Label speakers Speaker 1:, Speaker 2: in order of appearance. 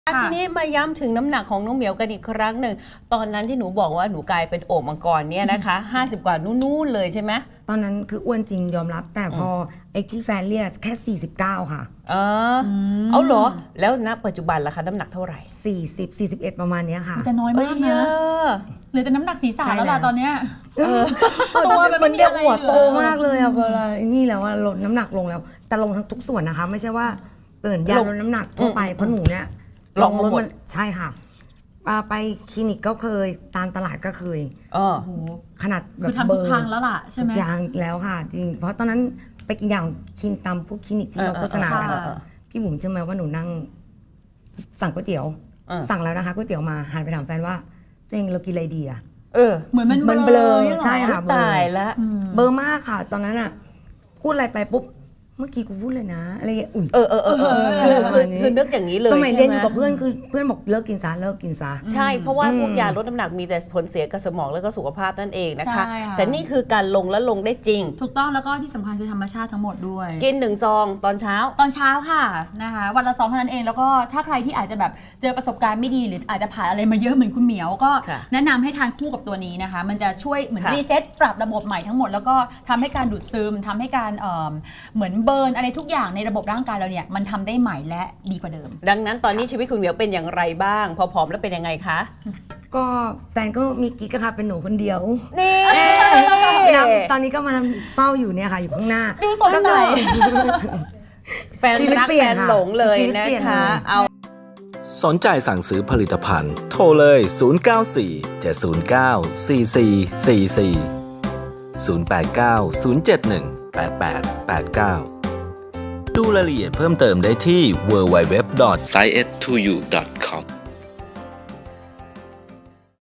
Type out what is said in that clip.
Speaker 1: ทีนี้มาย้ำถึงน้ำหนักของน้องเหมียวกันอีกครั้งหนึ่งตอนนั้นที่หนูบอกว่าหนูกลายเป็นโอ่งมังกรเนี่ยนะคะ50 กว่านู่นเลยใช่ไหม
Speaker 2: ตอนนั้นคืออ้วนจริงยอมรับ แต่พอไอ้ที่แฟนเรียกแค่49ค่ะ
Speaker 1: เอาเหรอแล้วณปัจจุบันล่ะคะน้ำหนักเท่าไหร่
Speaker 2: 40 41ประมาณนี้ค่ะ
Speaker 3: แต่น้อยมากนะเหลือแต่น้ำหนักศีรษะแล้วล่ะตอนเนี้ยตัว
Speaker 2: มันเรียกหัวโตมากเลยอะเวลานี่แล้วว่าลดน้ำหนักลงแล้วแต่ลงทั้งทุกส่วนนะคะไม่ใช่ว่าเปิดยาลดน้ำหนักทั่วไปเพราะหนูเนี่ย
Speaker 1: ลองลด
Speaker 2: ใช่ค่ะไปคลินิกก็เคยตามตลาดก็เคยขนาดแบบ
Speaker 3: คือทำทุกครั้งแล้วล่ะใช่ไหม
Speaker 2: ทุกอย่างแล้วค่ะจริงเพราะตอนนั้นไปกินยาของคลินิกตามพวกคลินิกที่เขาโฆษณากันพี่บุ๋มเชื่อไหมว่าหนูนั่งสั่งก๋วยเตี๋ยวสั่งแล้วนะคะก๋วยเตี๋ยวมาหันไปถามแฟนว่าตัวเองเรากินอะไรดีอะ
Speaker 3: เหมือนมัน
Speaker 2: เบลอใช่ค่ะ
Speaker 1: ตายแล้ว
Speaker 2: เบลอมากค่ะตอนนั้นอะพูดอะไรไปปุ๊บเมื่อกี้กูพูดเลยนะอะไรอย่างเงี้ย
Speaker 1: คือนึกอย่างนี้เลย
Speaker 2: สมัยเรียนอยู่กับเพื่อนคือเพื่อนบอกเลิกกินซะเลิกกินซะ
Speaker 1: ใช่เพราะว่าพวกยาลดน้ำหนักมีแต่ผลเสียกับสมองแล้วก็สุขภาพนั่นเองนะคะแต่นี่คือการลงและลงได้จริง
Speaker 3: ถูกต้องแล้วก็ที่สำคัญคือธรรมชาติทั้งหมดด้วย
Speaker 1: กิน1 ซองตอนเช้า
Speaker 3: ค่ะนะคะวันละซองเท่านั้นเองแล้วก็ถ้าใครที่อาจจะแบบเจอประสบการณ์ไม่ดีหรืออาจจะผ่านอะไรมาเยอะเหมือนคุณเหมียวก็แนะนำให้ทานคู่กับตัวนี้นะคะมันจะช่วยเหมือนรีเซ็ตปรับระบบใหม่ทั้งหมดแล้วก็ทำให้การดูดซึมทำให้การเหมือนเบิร์นอะไรทุกอย่างในระบบร่างกายเราเนี่ยมันทำได้ใหม่และดีกว่าเดิม
Speaker 1: ดังนั้นตอนนี้ชีวิตคุณเหมียวเป็นอย่างไรบ้างพอผอมแล้วเป็นยังไงคะ
Speaker 2: ก็แฟนก็มีกิ๊กค่ะเป็นหนูคนเดียว
Speaker 1: นี่
Speaker 2: ตอนนี้ก็มาเฝ้าอยู่เนี่ยค่ะอยู่ข้างหน้า
Speaker 3: ดูสดใส
Speaker 1: แฟนรักแฟนหลงเลยนะคะเอา
Speaker 4: สนใจสั่งซื้อผลิตภัณฑ์โทรเลย094-709-4444 089-071-8889ดูรายละเอียดเพิ่มเติมได้ที่ www.science2u.com